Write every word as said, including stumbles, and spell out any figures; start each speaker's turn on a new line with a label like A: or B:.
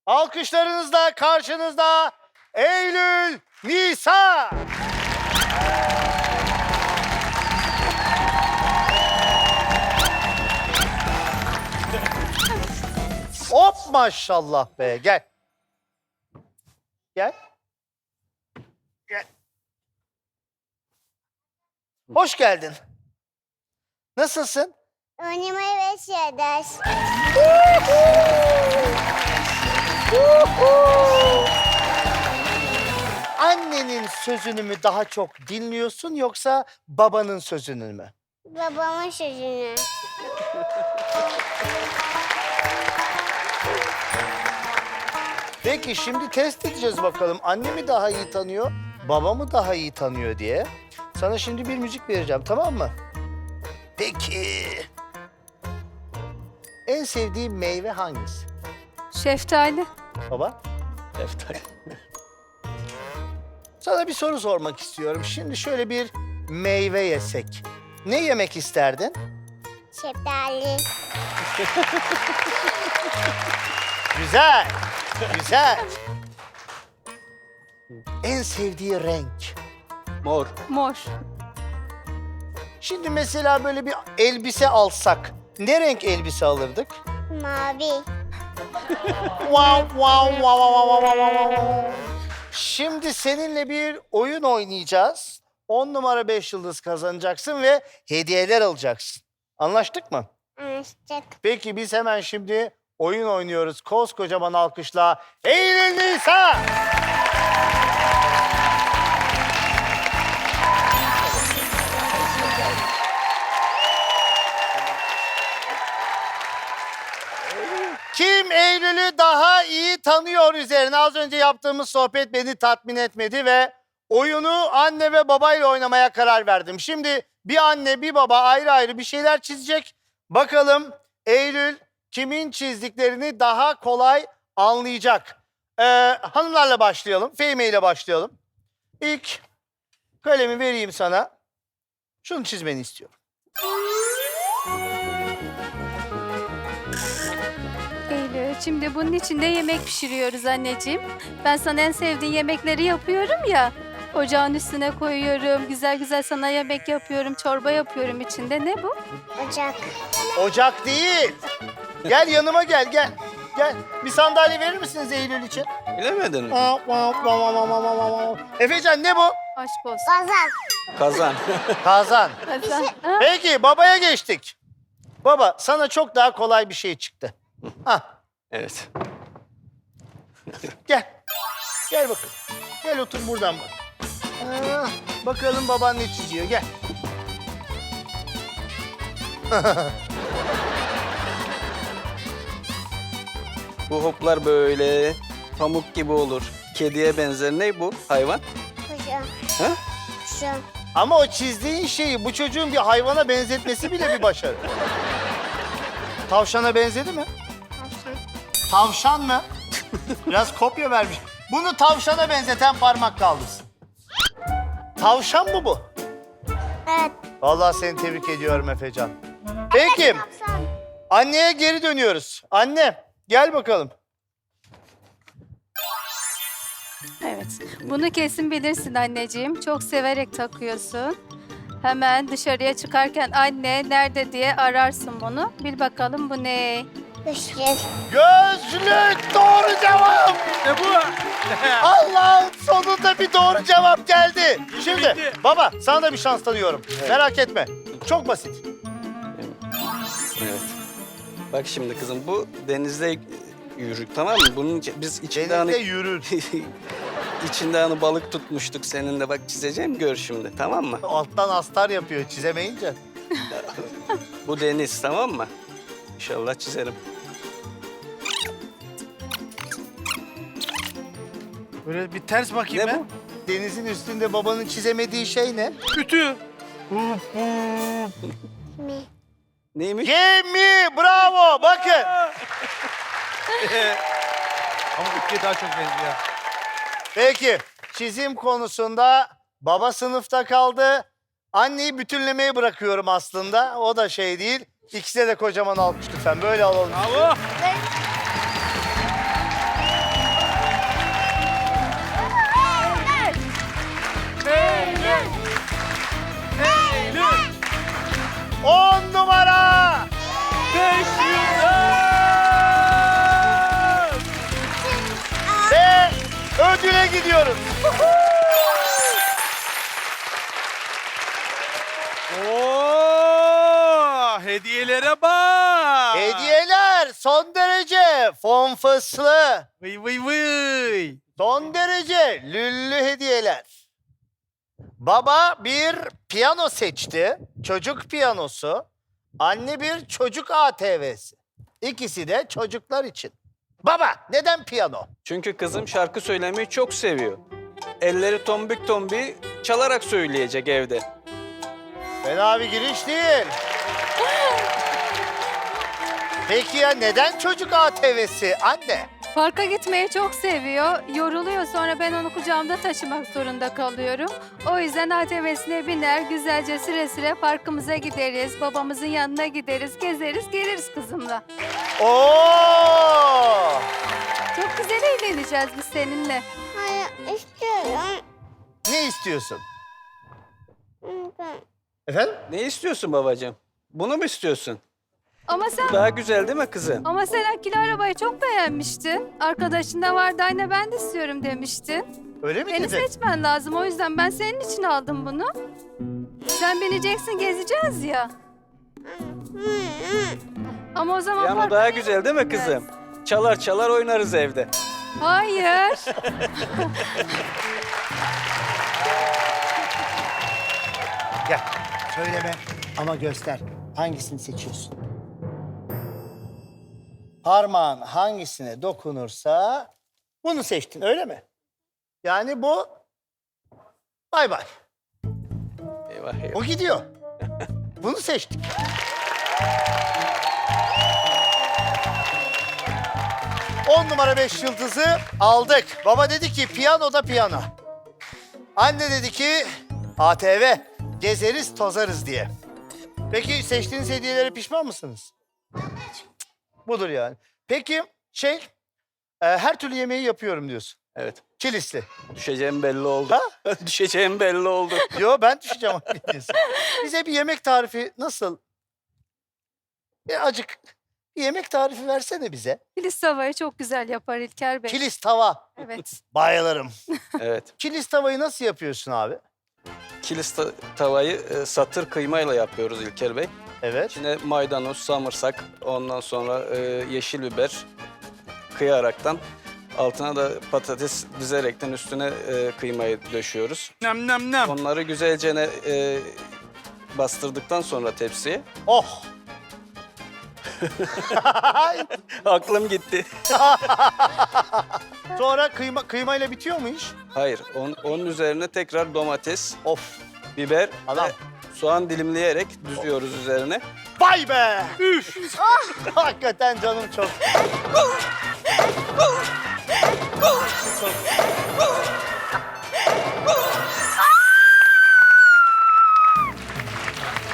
A: Alkışlarınızla karşınızda Eylül Nisa. Hop maşallah be, gel. Gel. Gel. Hoş geldin. Nasılsın?
B: Oynamaya başlıyoruz.
A: Annenin sözünü mü daha çok dinliyorsun yoksa babanın sözünü mü?
B: Babamın sözünü.
A: Peki şimdi test edeceğiz bakalım. Anne mi daha iyi tanıyor, baba mı daha iyi tanıyor diye. Sana şimdi bir müzik vereceğim, tamam mı? Peki. En sevdiğin meyve hangisi?
C: Şeftali.
A: Baba? Şeftali. Sana bir soru sormak istiyorum. Şimdi şöyle bir meyve yesek. Ne yemek isterdin?
B: Şeftali.
A: Güzel, güzel. En sevdiği renk?
D: Mor.
C: Mor.
A: Şimdi mesela böyle bir elbise alsak, ne renk elbise alırdık?
B: Mavi.
A: Wow, wow, wow, wow, wow, wow, wow. Şimdi seninle bir oyun oynayacağız. On numara beş yıldız kazanacaksın ve hediyeler alacaksın. Anlaştık mı?
B: Anlaştık.
A: Peki biz hemen şimdi oyun oynuyoruz. Koskocaman alkışla Eylül Nisa! Kim Eylül'ü daha iyi tanıyor üzerine az önce yaptığımız sohbet beni tatmin etmedi ve oyunu anne ve babayla oynamaya karar verdim. Şimdi bir anne bir baba ayrı ayrı bir şeyler çizecek. Bakalım Eylül kimin çizdiklerini daha kolay anlayacak. Ee, hanımlarla başlayalım. Fehime ile başlayalım. İlk kalemi vereyim sana. Şunu çizmeni istiyorum.
C: Eylül, şimdi bunun içinde yemek pişiriyoruz anneciğim. Ben sana en sevdiğin yemekleri yapıyorum ya. Ocağın üstüne koyuyorum. Güzel güzel sana yemek yapıyorum. Çorba yapıyorum içinde. Ne bu?
B: Ocak.
A: Ocak değil. Gel yanıma gel gel. Gel. Bir sandalye verir misiniz Eylül için?
D: Bilemedin mi?
A: Efecan ne bu?
C: Aşk olsun.
B: Kazan.
D: Kazan.
A: Kazan.
C: Kazan. Ha?
A: Peki babaya geçtik. Baba sana çok daha kolay bir şey çıktı. Hah,
D: Evet.
A: gel. Gel bakalım. Gel otur buradan bak. Ah, bakalım baban ne çiziyor gel.
D: Bu hoplar böyle pamuk gibi olur. Kediye benzer. Ne bu hayvan?
B: Kuşu.
D: Ha?
B: Kuşu.
A: Ama o çizdiğin şeyi bu çocuğun bir hayvana benzetmesi bile bir başarı. Tavşana benzedi mi?
B: Tavşan.
A: Tavşan mı? Biraz kopya vermiş. Bunu tavşana benzeten parmak kaldırsın. Tavşan mı bu?
B: Evet.
A: Vallahi seni tebrik ediyorum Efecan. Peki,
B: Tavşan.
A: anneye geri dönüyoruz. Anne, gel bakalım.
C: Evet. Bunu kesin bilirsin anneciğim. Çok severek takıyorsun. Hemen dışarıya çıkarken anne nerede diye ararsın bunu. Bil bakalım bu ne?
B: Kuşluk.
A: Gözlük doğru cevap.
E: Ne bu?
A: Allah'ım sonunda bir doğru cevap geldi. Şimdi baba sana da bir şans tanıyorum. Merak etme. Çok basit.
D: Evet. Bak şimdi kızım bu denizde yürür tamam mı? Bunun içi- biz içinde
A: Denizde
D: hani
A: yürür.
D: içinde hani balık tutmuştuk seninle bak çizeceğim gör şimdi tamam mı?
A: Alttan astar yapıyor çizemeyince.
D: Bu deniz tamam mı? İnşallah çizerim.
E: Böyle bir ters bakayım
D: Ne
E: ben.
D: bu?
A: Denizin üstünde babanın çizemediği şey ne?
E: Ütü.
B: Mi.
D: Neymiş?
A: Gemi, bravo. Bakın.
E: Ama ütüye daha çok benziyor.
A: Peki, çizim konusunda baba sınıfta kaldı. Anneyi bütünlemeye bırakıyorum aslında. O da şey değil. İkisine de kocaman alkış lütfen. Böyle alalım.
E: Bravo.
A: Ödüle gidiyoruz.
E: Oo, hediyelere bak.
A: Hediyeler son derece fonfıslı.
E: Vıy vıy vıy.
A: Son derece lüllü hediyeler. Baba bir piyano seçti. Çocuk piyanosu. Anne bir çocuk A T V'si. İkisi de çocuklar için. Baba neden piyano?
D: Çünkü kızım şarkı söylemeyi çok seviyor. Elleri tombik tombi çalarak söyleyecek evde.
A: Fena bir giriş değil. Peki ya neden çocuk A T V'si anne?
C: Parka gitmeyi çok seviyor. Yoruluyor, sonra ben onu kucağımda taşımak zorunda kalıyorum. O yüzden A T V'sine biner, güzelce süre süre parkımıza gideriz. Babamızın yanına gideriz, gezeriz, geliriz kızımla.
A: Oo!
C: Çok güzel eğleneceğiz biz seninle.
B: Hayır istiyorum.
A: Ne istiyorsun?
B: Ben.
A: Efendim?
D: Ne istiyorsun babacığım? Bunu mu istiyorsun?
C: Ama sen
D: Daha güzel değil mi kızım?
C: ama sen akülü arabayı çok beğenmiştin. Arkadaşında vardı, anne ben de istiyorum demiştin.
A: Öyle mi
C: Beni
A: dedin?
C: seçmen lazım, o yüzden ben senin için aldım bunu. Sen bineceksin, gezeceğiz ya. Ama o zaman
D: Ya ama
C: parka
D: daha
C: niye
D: güzel değil mi
C: gideceğiz?
D: kızım? Çalar çalar oynarız evde.
C: Hayır.
A: Gel. Söyleme ama göster. Hangisini seçiyorsun? Parmağın hangisine dokunursa bunu seçtin öyle mi? Yani bu bay bay.
D: Eyvah eyvah.
A: O gidiyor. Bunu seçtik. On numara beş yıldızı aldık. Baba dedi ki piyano da piyano. Anne dedi ki A T V gezeriz tozarız diye. Peki seçtiğiniz hediyelere pişman mısınız? Budur yani. Peki şey e, her türlü yemeği yapıyorum diyorsun.
D: Evet.
A: Kilisli.
D: Düşeceğim belli oldu.
A: Ha?
D: Düşeceğim belli oldu.
A: Yo ben düşeceğim diyorsun. Bize bir yemek tarifi nasıl? Bir acık bir yemek tarifi versene bize.
C: Kilis tavayı çok güzel yapar İlker Bey.
A: Kilis tava.
C: Evet.
A: Bayılırım.
D: Evet.
A: Kilis tavayı nasıl yapıyorsun abi?
D: Kilis ta- tavayı e, satır kıymayla yapıyoruz İlker Bey.
A: Evet.
D: İçine maydanoz, samırsak, ondan sonra e, yeşil biber kıyaraktan altına da patates dizerekten üstüne e, kıymayı döşüyoruz.
E: Nem nem nem.
D: Onları güzelce ne, e, bastırdıktan sonra tepsiye.
A: Oh.
D: Aklım gitti.
A: Sonra kıyma kıymayla bitiyor mu iş?
D: Hayır, on, onun üzerine tekrar domates,
A: Of.
D: biber
A: Adam.
D: ve soğan dilimleyerek düzüyoruz üzerine.
A: Vay be. Üf. Hakikaten canım çok.